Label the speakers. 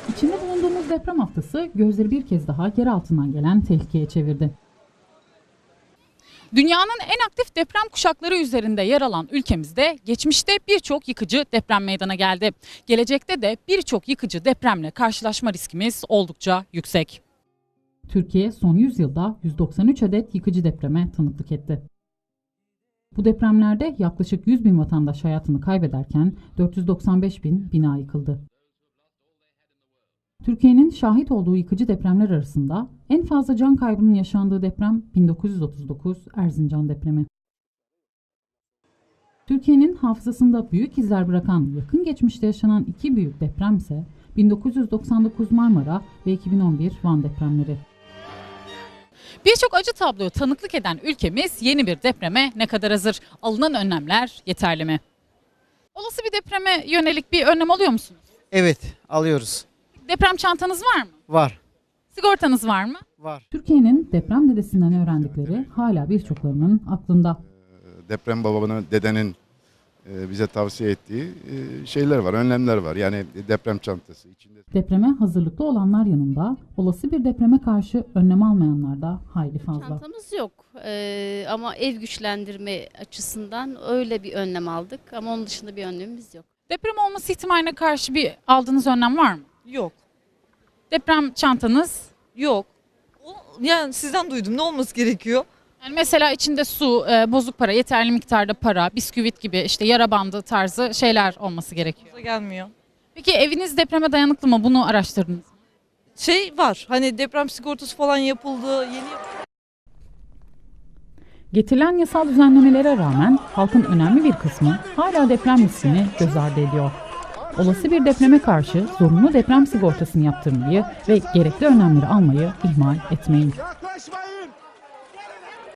Speaker 1: İçinde bulunduğumuz deprem haftası gözleri bir kez daha yer altından gelen tehlikeye çevirdi.
Speaker 2: Dünyanın en aktif deprem kuşakları üzerinde yer alan ülkemizde geçmişte birçok yıkıcı deprem meydana geldi. Gelecekte de birçok yıkıcı depremle karşılaşma riskimiz oldukça yüksek.
Speaker 1: Türkiye son 100 yılda 193 adet yıkıcı depreme tanıklık etti. Bu depremlerde yaklaşık 100 bin vatandaş hayatını kaybederken 495 bin bina yıkıldı. Türkiye'nin şahit olduğu yıkıcı depremler arasında en fazla can kaybının yaşandığı deprem 1939 Erzincan depremi. Türkiye'nin hafızasında büyük izler bırakan yakın geçmişte yaşanan iki büyük deprem ise 1999 Marmara ve 2011 Van depremleri.
Speaker 2: Birçok acı tabloya tanıklık eden ülkemiz yeni bir depreme ne kadar hazır? Alınan önlemler yeterli mi? Olası bir depreme yönelik bir önlem alıyor musunuz?
Speaker 3: Evet, alıyoruz.
Speaker 2: Deprem çantanız var mı?
Speaker 3: Var.
Speaker 2: Sigortanız var mı?
Speaker 3: Var.
Speaker 1: Türkiye'nin deprem dedesinden öğrendikleri hala birçoklarının aklında.
Speaker 4: Deprem babanın, dedenin bize tavsiye ettiği şeyler var, önlemler var. Yani deprem çantası içinde.
Speaker 1: Depreme hazırlıklı olanlar yanında olası bir depreme karşı önlem almayanlar da hayli fazla.
Speaker 5: Çantamız yok ama ev güçlendirme açısından öyle bir önlem aldık ama onun dışında bir önlemimiz yok.
Speaker 2: Deprem olması ihtimaline karşı bir aldığınız önlem var mı?
Speaker 6: Yok.
Speaker 2: Deprem çantanız?
Speaker 6: Yok. Yani sizden duydum. Ne olması gerekiyor?
Speaker 2: Yani mesela içinde su, bozuk para, yeterli miktarda para, bisküvit gibi işte yara bandı tarzı şeyler olması gerekiyor.
Speaker 6: Gelmiyor.
Speaker 2: Peki eviniz depreme dayanıklı mı? Bunu araştırdınız mı?
Speaker 6: Şey var. Hani deprem sigortası falan yapıldı. Yeni
Speaker 1: Getirilen yasal düzenlemelere rağmen halkın önemli bir kısmı hala deprem riskini göz ardı ediyor. Olası bir depreme karşı zorunlu deprem sigortasını yaptırmayı ve gerekli önlemleri almayı ihmal etmeyin.